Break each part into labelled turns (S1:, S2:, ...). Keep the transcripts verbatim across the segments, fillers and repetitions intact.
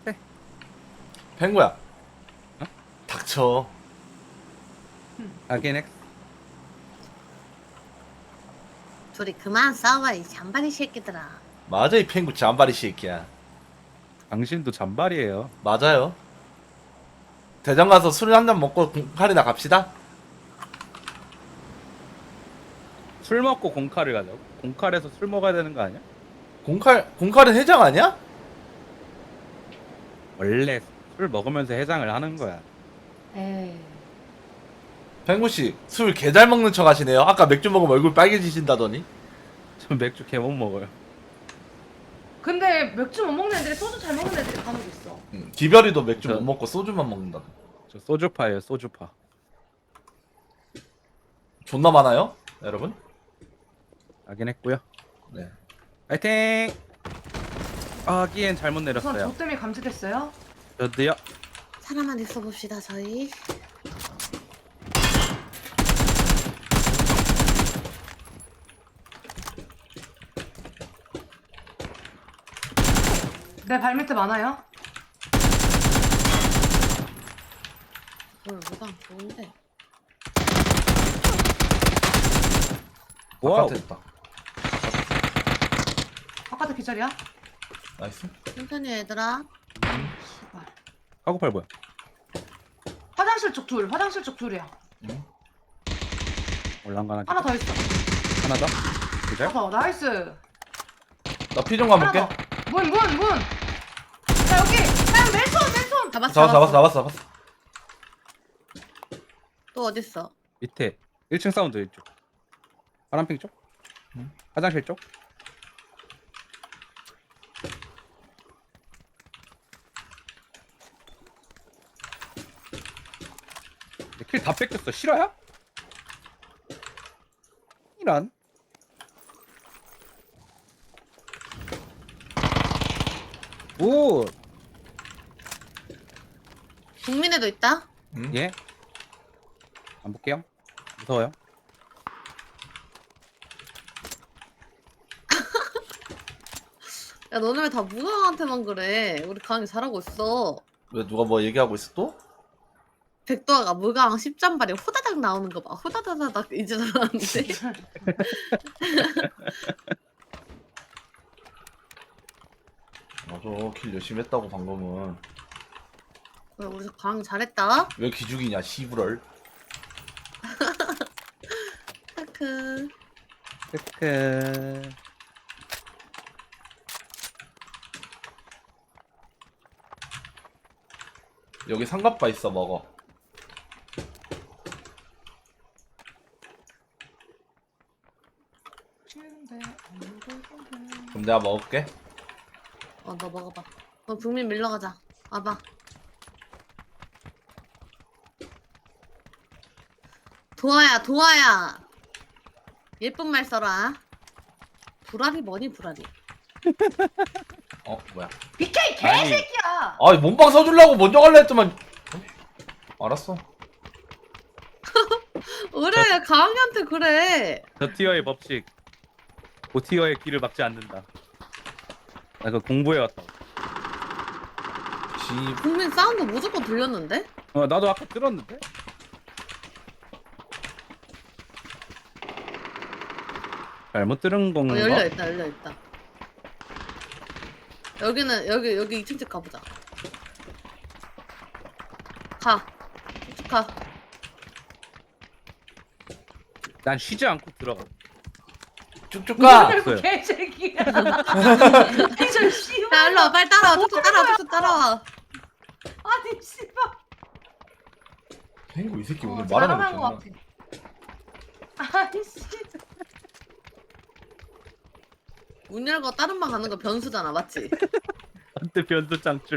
S1: 펭구야.
S2: 어?
S1: 닥쳐.
S2: 아긴 엑.
S3: 둘이 그만 싸워 이 잔바리 새끼들아.
S1: 맞아 이 펭구 잠바리 새끼야.
S2: 당신도 잔발이에요.
S1: 맞아요. 대전 가서 술 한 잔 먹고 공칼이나 갑시다.
S2: 술 먹고 공칼을 가자고? 공칼에서 술 먹어야 되는 거 아니야?
S1: 공칼 공칼은 해장 아니야?
S2: 원래 술 먹으면서 해장을 하는 거야.
S3: 에이.
S1: 펭구 씨 술 개 잘 먹는 척 하시네요. 아까 맥주 먹으면 얼굴 빨개지신다더니.
S2: 저 맥주 개 못 먹어요.
S4: 근데 맥주 못 먹는 애들이 소주 잘 먹는 애들이 간혹 있어.
S1: 음, 기별이도 맥주
S2: 저-
S1: 못 먹고 소주만 먹는다.
S2: 저 소주파예요, 소주파.
S1: 존나 많아요, 여러분.
S2: 아긴 했고요.
S1: 네.
S2: 파이팅! 아기엔 잘못
S4: 우선
S2: 내렸어요.
S4: 저 때문에 감지됐어요.
S2: 저도요.
S3: 사람만 있어 봅시다 저희.
S4: 내 발밑에 많아요.
S3: 뭘 뭐가 좋은데.
S2: 와우.
S1: 바깥에 있다.
S4: 바깥에 기절이야.
S1: 나이스.
S3: 천천히 얘들아.
S4: 씨발.
S2: 카고팔 뭐야?
S4: 화장실 쪽 둘. 화장실 쪽 둘이야.
S1: 응?
S2: 올랑가나.
S4: 하나 더 있어.
S2: 하나 더. 그죠?
S4: 하나 더. 나이스.
S1: 나 피 좀
S4: 하나
S1: 가볼게.
S4: 더. 문, 문, 문. 자 여기. 자 맨손, 맨손.
S3: 잡았어
S1: 잡았어, 잡았어, 잡았어, 잡았어.
S3: 또 어딨어?
S2: 밑에 일 층 사운드 이쪽. 파란핑 쪽?
S1: 응.
S2: 화장실 쪽? 킬 다 뺏겼어. 실화야? 이란. 오,
S3: 국민에도 있다?
S1: 응?
S2: 예. 안 볼게요. 무서워요.
S3: 야 너네 왜 다 무강한테만 그래? 우리 강이 잘하고 있어.
S1: 왜 누가 뭐 얘기하고 있어 또?
S3: 백도아가 무강 십 잔발이 호다닥 나오는 거 봐. 호다다다닥 이제 나왔는데.
S1: 맞아, 킬 열심히 했다고 방금은.
S3: 왜 우리 강 잘했다?
S1: 왜 기죽이냐, 시부럴.
S3: 크크.
S2: 크크.
S1: 여기 삼각바 있어, 먹어. 그럼 내가 먹을게.
S3: 어 너 먹어봐. 너 국민 밀러 가자. 와봐. 도아야 도아야. 예쁜 말 써라. 불알이 뭐니 불알이.
S1: 어, 뭐야.
S4: 비케이
S2: 아니.
S4: 개새끼야.
S1: 아, 몸빵 써주려고 먼저 갈라 했더만. 어? 알았어.
S3: 그래 강이한테 그래.
S2: 저 티어의 법칙. 고 티어의 길을 막지 않는다. 나 그거 공부해 왔다.
S1: 시,
S3: 국민 사운드 무조건 들렸는데?
S2: 어, 나도 아까 들었는데. 잘못 들은
S3: 어
S2: 건가?
S3: 열려 있다 열려 있다. 여기는 여기 여기 이 층 집 가보자. 가. 쭉 가.
S2: 난 쉬지 않고 들어가.
S1: 쭉쭉 가!
S2: 없어요.
S4: 개새끼야. 이저 씨발.
S3: 야 일로 와 빨리 따라와. 쭉쭉 따라와 쭉쭉 따라와.
S4: 아니 씨발.
S1: 펭구 이 새끼 오늘
S4: 어,
S1: 말하는
S4: 잘하는
S1: 거
S4: 것
S1: 존나.
S4: 같아. 아이씨.
S3: 문 열고 다른 방 가는 거 변수잖아 맞지?
S2: 한때 변수 짱줄.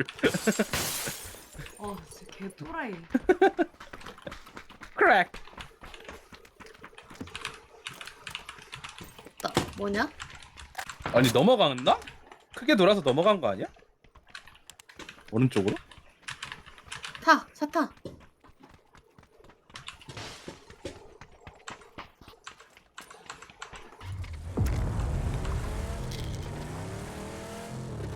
S4: 어 진짜 개 또라이.
S2: 크랙.
S3: 나, 뭐냐?
S2: 아니 넘어갔나? 크게 돌아서 넘어간 거 아니야? 오른쪽으로?
S3: 타. 차 타.